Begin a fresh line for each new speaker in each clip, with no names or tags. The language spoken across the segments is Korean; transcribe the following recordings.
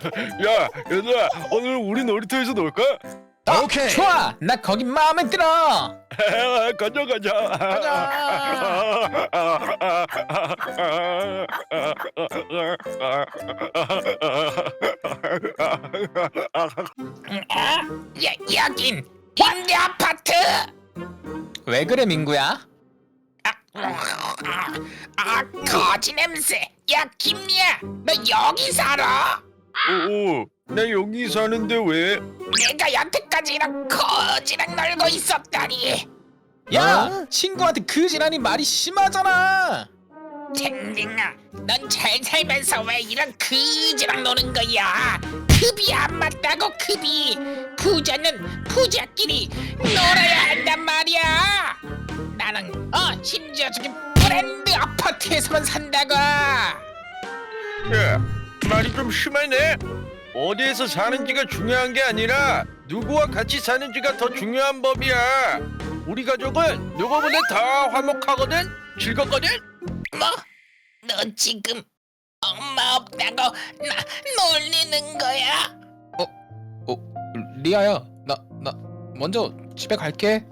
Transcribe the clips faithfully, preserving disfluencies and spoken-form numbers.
야, 얘들아, 오늘 우리 놀이터에서 놀까?
어,
오케이.
좋아. 나 거기 마음에 들어.
가자, 가자.
가자.
아, 여, 여긴 임대 아파트.
왜 그래 민구야?
아, 거지 냄새. 야, 김미야, 너 여기 살아?
오, 나 여기 사는데 왜?
내가 여태까지 이런 거지랑 놀고 있었다니.
야 친구한테 그 지란이 말이 심하잖아.
댕댕아, 넌 잘 살면서 왜 이런 거지랑 노는 거야? 급이 안 맞다고. 급이 부자는 부자끼리 놀아야 한단 말이야. 나는 어 심지어 저기 브랜드 아파트에서만 산다고.
야, 말이 좀 심하네. 어디에서 사는지가 중요한 게 아니라 누구와 같이 사는지가 더 중요한 법이야. 우리 가족은 누구보다 더 화목하거든, 즐겁거든.
뭐? 너 지금 엄마 없다고 나 놀리는 거야?
어 리아야 나 나 먼저 집에 갈게.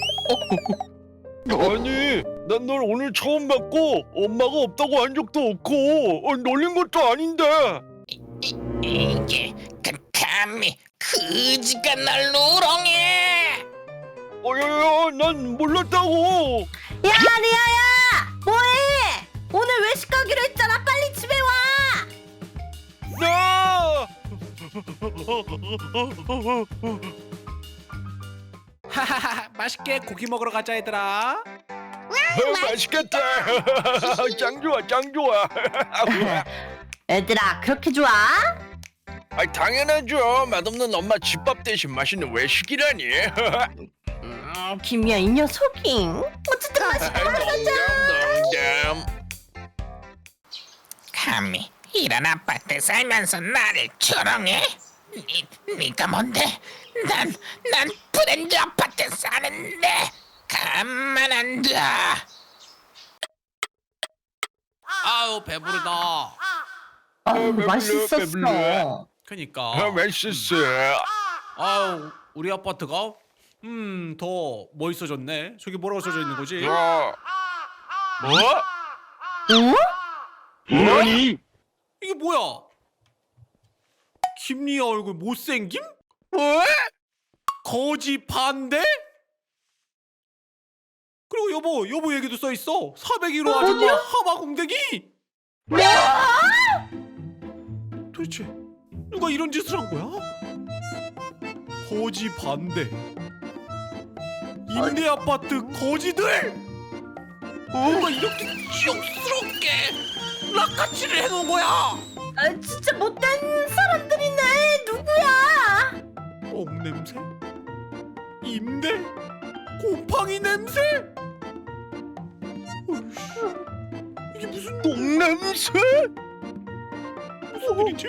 아니, 난 널 오늘 처음 봤고 엄마가 없다고 한 적도 없고 어, 놀린 것도 아닌데.
이, 이게 그 감히 그지가 날 우롱해.
어여여, 난 몰랐다고.
야 리아야 뭐해? 오늘 외식 가기로 했잖아. 빨리 집에 와.
나.
하하하. 맛있게 고기 먹으러 가자 얘들아.
어, 맛있겠다. 짱 좋아, 짱 좋아.
얘들아 그렇게 좋아?
아, 당연하죠. 맛없는 엄마 집밥 대신 맛있는 외식이라니.
음, 김이야 이 녀석이. 어쨌든 맛있게 먹으러 가자.
농담.
감히 이런 아파트 살면서 나를 조롱해? 니, 니가 뭔데? 난, 난 브랜드 아파트 사는데 가만 안 둬.
아우 배부르다.
아
배불러,
맛있었어.
배불러.
그니까.
아, 맛있어.
아우 우리 아파트가 음 더 멋있어졌네. 저기 뭐라고 써져 있는 거지?
야. 뭐?
응?
뭐니?
이게 뭐야? 김리아 얼굴 못생김?
뭐?
거지 반대? 그리고 여보 여보 얘기도 써 있어. 사백일 호 아줌마 하마 공대기.
뭐?
도대체 누가 이런 짓을 한 거야? 거지 반대. 임대 아파트 거지들. 누가 이렇게 지옥스럽게 락카치를 해놓은 거야?
아 진짜 못된 사람들이네. 누구야?
옥 냄새? 임대? 곰팡이 냄새? 어이씨, 이게 무슨
똥 냄새?
무슨 일이지?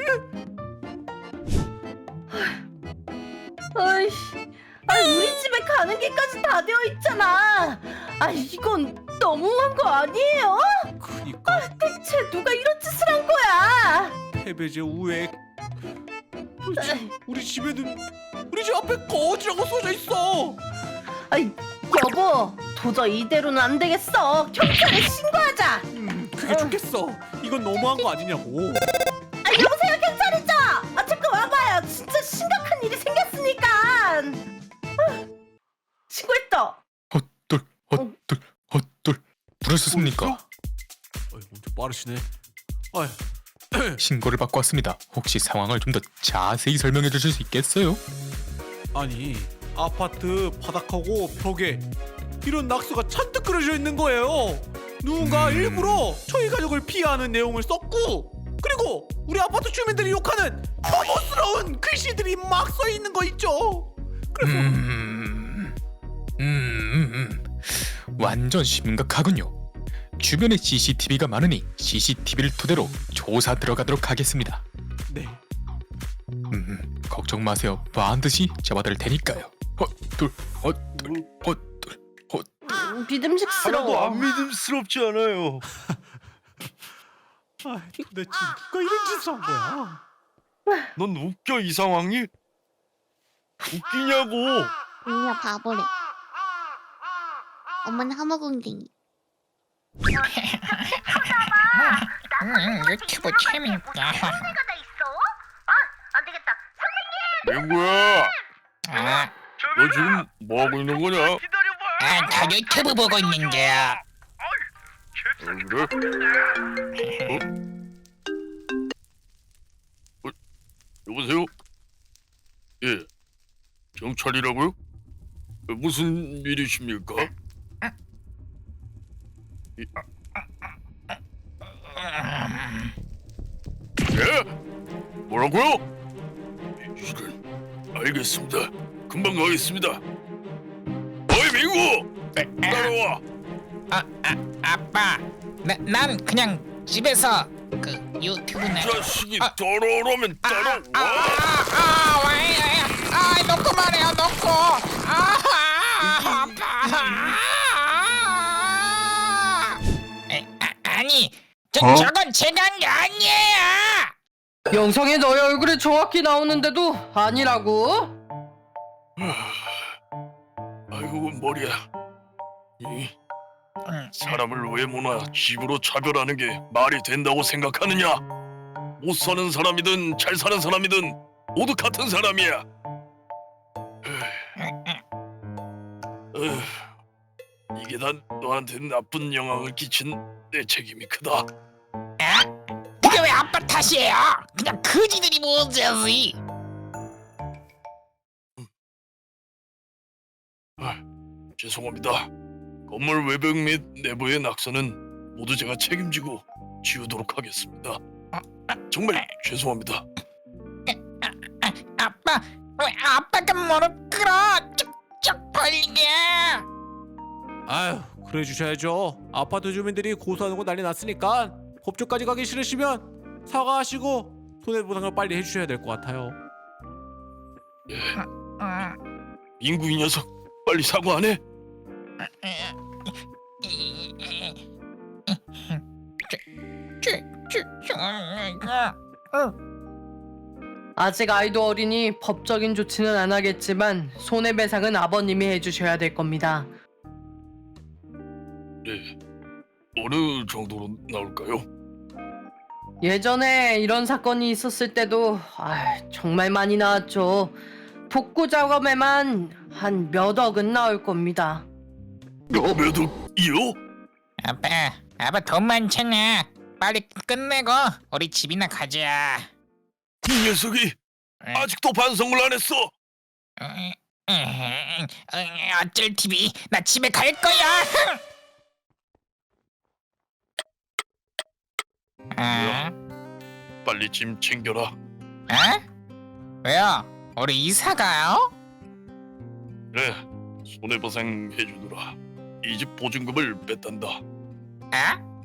아이씨, 아 우리 집에 가는 길까지 다 되어 있잖아. 아 이건 너무한 거 아니에요?
그니까
대체 누가 이런 짓을 한 거야?
패배제 우액. 도대체 우리 집에는 우리 집 앞에 거지라고 써져 있어.
아이 여보, 도저히 이대로는 안 되겠어. 경찰에 신고하자.
음, 그게 좋겠어. 이건 너무한 거 아니냐고.
아 여보세요, 경찰이죠? 아 잠깐 와봐요. 진짜 심각한 일이 생겼으니까. 아, 신고했다.
헛돌 헛돌 헛돌 부르셨습니까?
어이, 엄청 빠르시네. 아이,
신고를 받고 왔습니다. 혹시 상황을 좀 더 자세히 설명해 주실 수 있겠어요?
아니 아파트 바닥하고 벽에 이런 낙서가 잔뜩 그려져 있는 거예요. 누군가
음.
일부러 저희 가족을 피하는 내용을 썼고, 그리고 우리 아파트 주민들이 욕하는 혐오스러운 글씨들이 막 써 있는 거 있죠. 그래서
음, 음, 음, 음. 완전 심각하군요. 주변에 씨씨티비가 많으니 씨씨티비를 토대로 조사 들어가도록 하겠습니다.
네.
음, 걱정 마세요. 반드시 잡아드릴 테니까요. 헛돌 헛돌 헛돌 헛.
음,
하나도
믿음직스러워.
안 믿음스럽지 않아요.
아, 도대체 누가 이런 짓을 한 거야?
넌 웃겨 이 상황이? 웃기냐고.
언니야 바보래. 엄마는 하모궁댕이.
음, 유튜브 재밌다.
민구야,
아,
너 지금 뭐 하고 있는 거냐?
아, 저 유튜브 보고 있는데.
어, 그래? 어? 어? 여보세요? 예, 경찰이라고요? 어, 무슨 일이십니까? 예? 뭐라고요? 이런, 알겠습니다. 금방 가겠습니다. 어이 민구! 따라와!
아, 아, 아빠, 나, 난 그냥 집에서 그 유튜브나.
자식이
아.
더러우면
아, 아,
따라와!
아, 아, 왜, 아, 놓고 말해요, 놓고. 아, 아, 아빠. 아, 에, 아, 아니, 저, 저건 제가 한 게 아니에요.
영상에 너의 얼굴이 정확히 나오는데도 아니라고?
아이고 머리야. 이
음,
사람을 외모나 집으로 차별하는 게 말이 된다고 생각하느냐? 못 사는 사람이든 잘 사는 사람이든 모두 같은 사람이야. 에휴, 이게 다 너한테 나쁜 영향을 끼친 내 책임이 크다.
아? 그게 왜 아빠 탓이에요? 그냥 그지들이 문제지.
죄송합니다. 건물 외벽 및 내부의 낙서는 모두 제가 책임지고 지우도록 하겠습니다. 정말 죄송합니다.
아, 아빠, 왜 아빠가 무릎 꿇어? 쭉쭉 벌리게.
아휴 그래 주셔야죠. 아파트 주민들이 고소하는 거 난리 났으니까 법조까지 가기 싫으시면 사과하시고 손해보상을 빨리 해주셔야 될 것 같아요.
음,
민구 이 녀석 빨리 사과 안 해?
아직 아이도 어리니 법적인 조치는 안 하겠지만 손해배상은 아버님이 해주셔야 될 겁니다.
네. 어느 정도로 나올까요?
예전에 이런 사건이 있었을 때도 아, 정말 많이 나왔죠. 복구 작업에만 한 몇 억은 나올 겁니다.
몇 억이요?
아빠, 아빠 돈 많잖아. 빨리 끝내고 우리 집이나 가자.
이 녀석이 아직도 반성을 안 했어.
음, 음, 어쩔 티비, 나 집에 갈 거야. 아,
빨리 짐 챙겨라.
어? 왜요? 우리 이사 가요?
그래, 손해보상 해주더라. 이 집 보증금을 뺐단다.
아?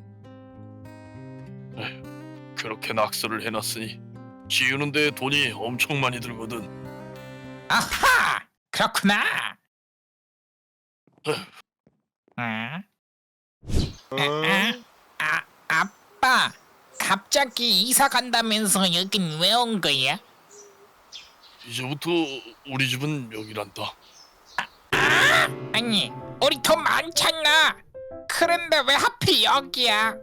그렇게 낙서를 해놨으니 지우는데 돈이 엄청 많이 들거든.
아하, 그렇구나.
에휴.
응? 아, 아, 아빠, 갑자기 이사 간다면서 여긴 왜 온 거야?
이제부터 우리 집은 여기란다.
아니, 우리 돈 많잖아. 그런데 왜 하필 여기야?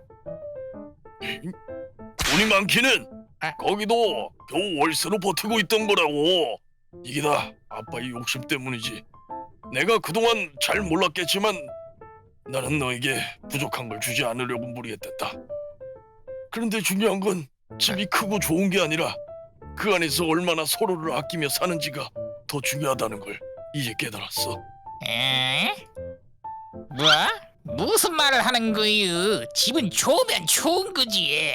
돈이 많기는
아.
거기도 겨우 월세로 버티고 있던 거라고. 이게 다 아빠의 욕심 때문이지. 내가 그동안 잘 몰랐겠지만 나는 너에게 부족한 걸 주지 않으려고 무리했댔다. 그런데 중요한 건 집이 크고 좋은 게 아니라 그 안에서 얼마나 서로를 아끼며 사는지가 더 중요하다는 걸 이제 깨달았어.
에? 뭐? 무슨 말을 하는 거유? 집은 좋으면 좋은 거지.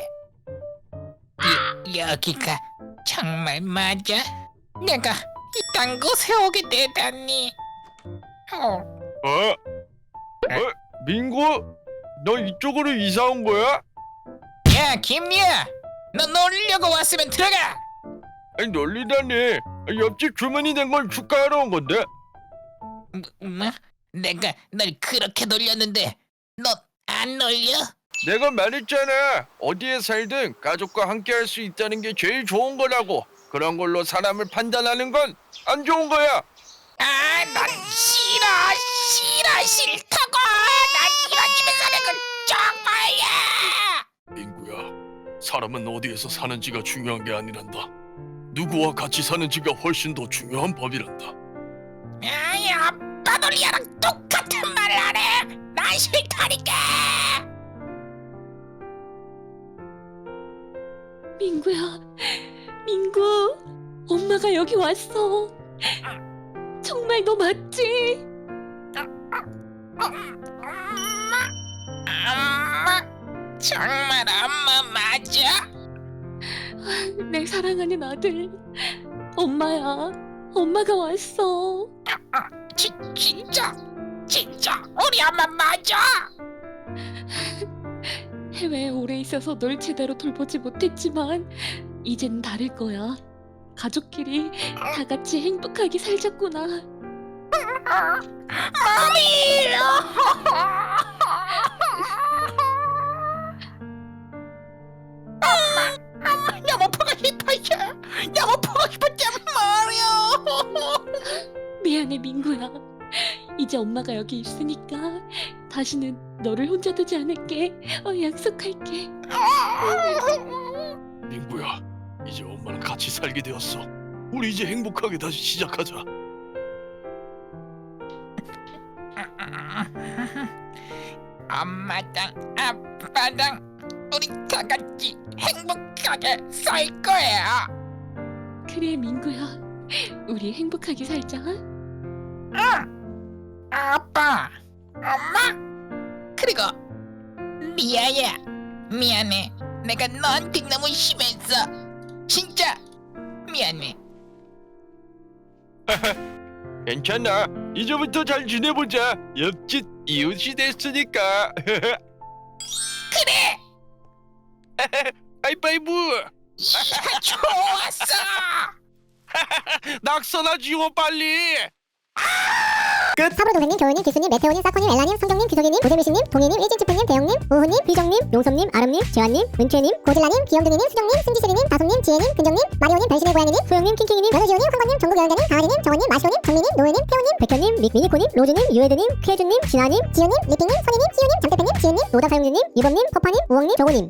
이, 여기가 정말 맞아? 내가 이딴 곳에 오게 되다니. 어.
어? 어? 민구? 너 이쪽으로 이사 온 거야?
야, 김미야, 너 놀려고 왔으면 들어가.
아니 놀리다니. 옆집 주문이 된 걸 축하하러 온 건데.
뭐? 뭐? 내가 널 그렇게 놀렸는데 너 안 놀려?
내가 말했잖아. 어디에 살든 가족과 함께 할 수 있다는 게 제일 좋은 거라고. 그런 걸로 사람을 판단하는 건 안 좋은 거야.
아, 난 싫어, 싫어, 싫다고. 난 이런 집에 사는 건 정말이야.
민구야, 사람은 어디에서 사는지가 중요한 게 아니란다. 누구와 같이 사는지가 훨씬 더 중요한 법이란다.
아이, 아빠도 리아랑 똑같은 말을 하네. 난 싫다니까.
민구야, 민구, 엄마가 여기 왔어. 정말 너 맞지?
엄마, 엄마, 정말 엄마 맞아?
내 사랑하는 아들, 엄마야. 엄마가 왔어.
지, 진짜, 진짜 우리 엄마 맞아?
해외에 오래 있어서 널 제대로 돌보지 못했지만 이젠 다를 거야. 가족끼리 다 같이 행복하게 살자꾸나.
머미. 엄마, 엄마 너무 보고 싶었어. 너무 보고 싶었단 말이야.
미안해, 민구야. 이제 엄마가 여기 있으니까 다시는 너를 혼자 두지 않을게. 어, 약속할게.
민구야, 이제 엄마랑 같이 살게 되었어. 우리 이제 행복하게 다시 시작하자.
엄마랑 아빠랑 우리 다 같이 행복하게 살 거야.
그래, 민구야. 우리 행복하게 살자.
응. 아빠, 엄마, 그리고 리아야, 미안해. 내가 너한테 너무 심했어. 진짜 미안해.
괜찮아. 이제부터 잘 지내보자. 옆집 이웃이 됐으니까.
그래.
하이파이브.
이야, 좋았어.
낙서나 지워 빨리.
사부로 동생님, 조은님, 기수님, 메테오님, 사코님, 엘라님, 성경님, 규석이님, 오세미씨님, 동희님, 일진치프님, 대영님, 우후님, 비정님, 용섭님, 아름님, 재환님, 은채님, 고질라님, 귀염둥이님, 수정님, 승지시리님, 다솜님, 지혜님, 근정님, 마리오님, 별신의 고양이님, 소영님, 킹킹이님, 연우지호님, 황건님, 전국여행자님, 강아지님, 정원님, 마시오님, 정민님, 노예님, 태호님, 백현님, 믹미니코님, 로즈님, 유에드님, 쾌주님, 진아님, 지연님, 리핑님, 선희님, 시우님, 장태팬님, 지은님, 노다사용주님, 유범님, 퍼파님, 우엉님, 정호님,